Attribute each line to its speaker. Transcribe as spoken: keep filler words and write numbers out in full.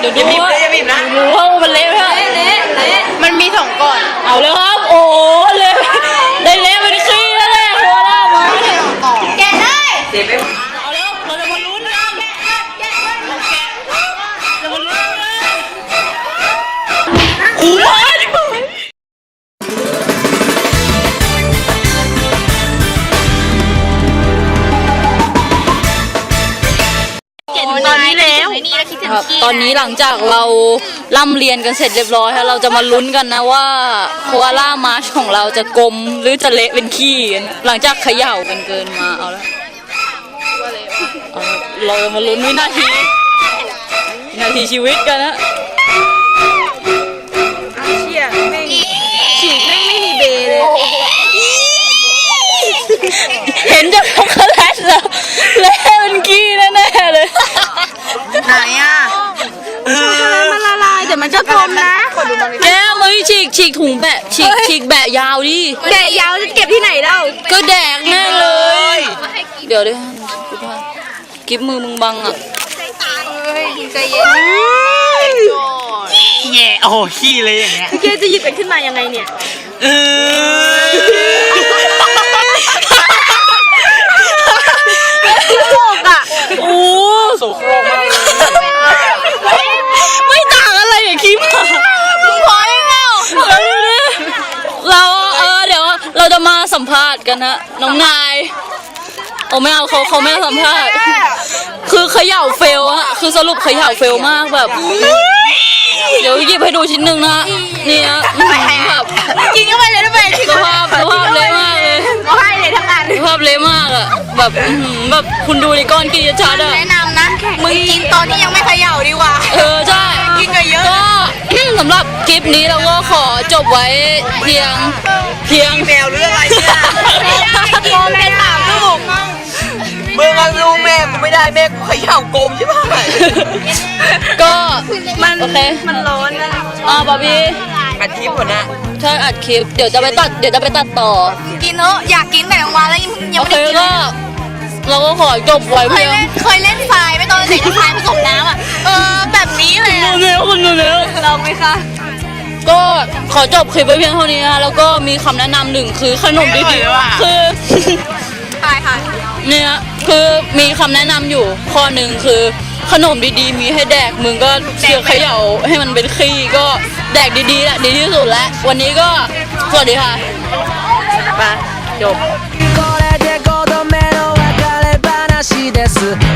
Speaker 1: เดี๋ยวดูว่าดูว่ามันเละไหมเละเละมันมีสองก่อนเอาเลยครับโอ้เละได้เละเป็นขี้แล้วแหละโคล่ามาแกะได้เอาแล้วเราจะมาลุ้นกันจะมาลุ้นกันอู้ว้าวตอนนี้แล้วตอนนี้หลังจากเราล่ำเรียนกันเสร็จเรียบร้อยแล้วเราจะมาลุ้นกันนะว่าโคอาล่ามาร์ชของเราจะกลมหรือจะเละเป็นขี้กันหลังจากเขย่ากันเกินมาเอาละเรามาลุ้นวินาทีวินาทีชีวิตกันนะเชี่ยไม่ฉีกไม่ไม่มีเบเลยเห็นจากช็อกโกแลตแล้วเละเป็นขี้แน่ๆเลยไหนอ่ะช็อกโกแลตมันละลายแต่มันจะกลมนะแก้วมาฉีกฉีกถุงแบะฉีกฉีกแบะยาวดิแบะยาวจะเก็บที่ไหนเล่าก็แดกแน่เลยเดี๋ยวดิกิ๊บมือมึงบังอ่ะใจเย็น
Speaker 2: แย่โอ้โหขี้เลยอย่างเงี้ย
Speaker 1: แกจะหยิบมันขึ้นมายังไงเนี่ย
Speaker 2: เออ
Speaker 1: โลกอ่ะโอ้
Speaker 2: โสโครกมาก
Speaker 1: ไม่ต่างอะไรอย่างคิดมามึงพอยังเงาเราเออเดี๋ยวเราจะมาสัมภาษณ์กันนะน้องนายโอ้ไม่เอาเขาเขาไม่สัมภาษณ์คือเขย่าเฟลอะคือสรุปเขย่าเฟลมากแบบเดี๋ยวหยิบให้ดูชิ้นหนึ่งนะนี่นะแบบกินเข้าไปเลยทำไมสภาพสภาพเละมากเลยก็ให้เลยทั้งนั้นสภาพเละมากอะแบบแบบคุณดูในก้อนกินชัดอะ
Speaker 3: แนะนำนะมึงกินตอนที่ยังไม่เขย่าดีกว่า
Speaker 1: เออใช่
Speaker 3: กินเยอะ
Speaker 1: ก็สำหรับคลิปนี้เราก็ขอจบไว้เพียงเพียง
Speaker 2: แมวหรืออะไรเนี่ย
Speaker 3: โกมเป็นสามลูก
Speaker 2: มึงเอาลูกแม่กูไม่ได้แม่กูเขย่ากลมใช่ไหม
Speaker 1: ก็
Speaker 3: มัน
Speaker 1: โอเค
Speaker 3: มันร้อนนะ
Speaker 1: อ่าบาร์บี้
Speaker 2: อัดคลิปก่อนนะ
Speaker 1: ใช่อัดคลิปเดี๋ยวจะไปตัดเดี๋ยวจะไปตัดต่อ
Speaker 3: กินเนอะอยากกินแต่กลางวันแล้วยังไม่ได้กิน
Speaker 1: ก็เราก็ขอจบไว้เพียง
Speaker 3: เคยเล่นทรายไม่ตอนเด็กทรายผสมน้ำอ่ะเออแบบนี้เลย
Speaker 1: คุณดูเร็วคุณดูเร็ว
Speaker 3: ลองไหมคะ
Speaker 1: ก็ขอจบคลิปไว้เพียงเท่านี้นะแล้วก็มีคำแนะนำหนึ่งคือขนมดีๆคือ
Speaker 3: ใช่ค่ะ
Speaker 1: เนี่ยคือมีคำแนะนำอยู่ข้อหนึ่งคือขนมดีๆมีให้แดกมึงก็เชื่อเขย่าให้มันเป็นขี้ก็แดกดีๆแหละดีที่สุดแล้ววันนี้ก็สวัสดีค่ะไปจบ